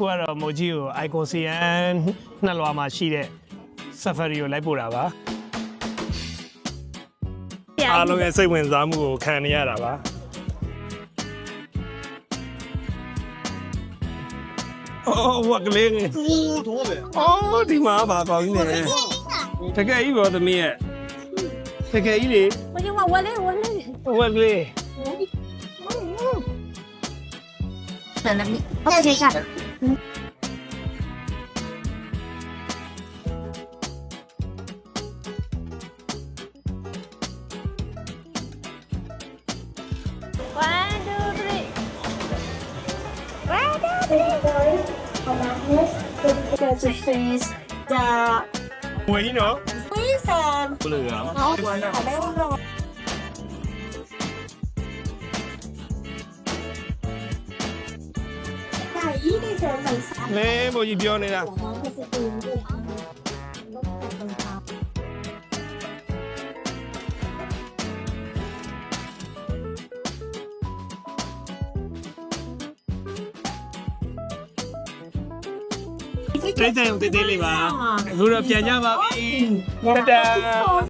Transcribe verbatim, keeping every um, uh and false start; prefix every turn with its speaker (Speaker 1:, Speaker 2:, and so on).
Speaker 1: အခုကတော့မိုကြီးကို icon စီယန်နှစ်လွာမှာရှိတဲ့ safari ကိုလိုက်ပို့တာပါအားလုံးရဲ့စိတ်ဝင်စားမှုကိုခံနေရတာပါအော်ဝက်ကလေးကြီးတော့ပဲအော်ဒီမှာပါကောင်းနေတယ်တကယ်ကြီးဘောသမီးရဲ့တကယ်ကြီးလေ
Speaker 2: 我就问我嘞，我嘞。
Speaker 1: ဝက်ကလေး
Speaker 2: 等了你，我再看。 One, two, three. One, two, three. Go to face the
Speaker 1: ဝင်းနော်
Speaker 2: face on.
Speaker 1: ဘလို့ရ
Speaker 2: 好，我呢？好嘞，我呢？
Speaker 1: လဲမိုကြီးပြောနေတာ တိတ်တိတ်တိတ်လေးပါအခုတော့ပြန်ကြပါပြီတတာ